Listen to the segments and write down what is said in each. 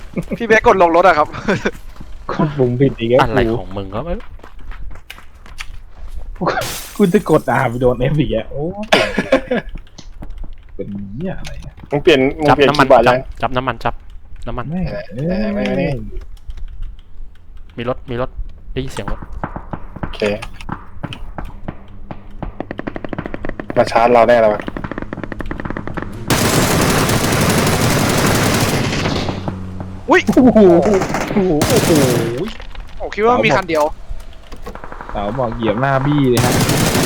พี่เบสกดลงรถอะครับกดปุ่มผิดอีกแล้วอะไรของมึงก็ไม่รู้กูจะกดไปโดนเอฟอีกอ่ะโอ้เป็นเนี่ยอะไรเนี่ยมึงเปลี่ยนจับคีน้ำมันย์บอร์ดจัยับงจับน้ำมันจับน้ำมันแม่ไม่มีรถได้ยินเสียงรถโอเคมาชาร์จเราแน่แล้วอุ้ยโอ้โหโอ้โหโอ้โหโอ้คิดว่ามีคันเดียวเต๋าบอกเหยียบหน้าบี้เลยฮะ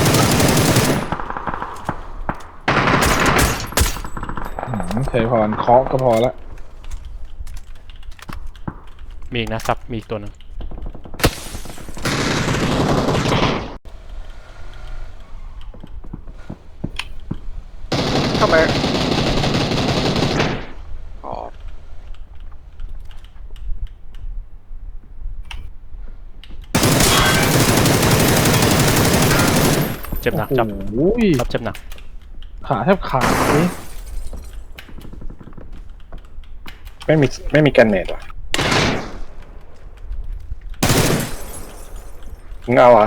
เคยพรเคาะก็พอละมีอีกนะซับมีอีกตัวหนึ่งทำไมอ๋อเจ็บหนักจับโอ้ยจับเจ็บหนักขาแทบขาดเลยไม่มีแกนเนตว่ะมึงเอาอ่ะ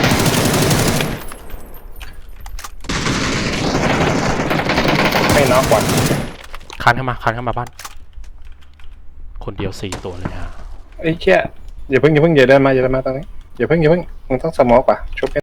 ไม่น็อกว่ะคานเข้ามาบ้าน คนเดียว4 ตัวเลยฮะไอ้เชี่ยอย่าเพิ่งอย่าเดินมาตอนนี้อย่าเพิ่งมึงต้องสโมกว่ะชุบ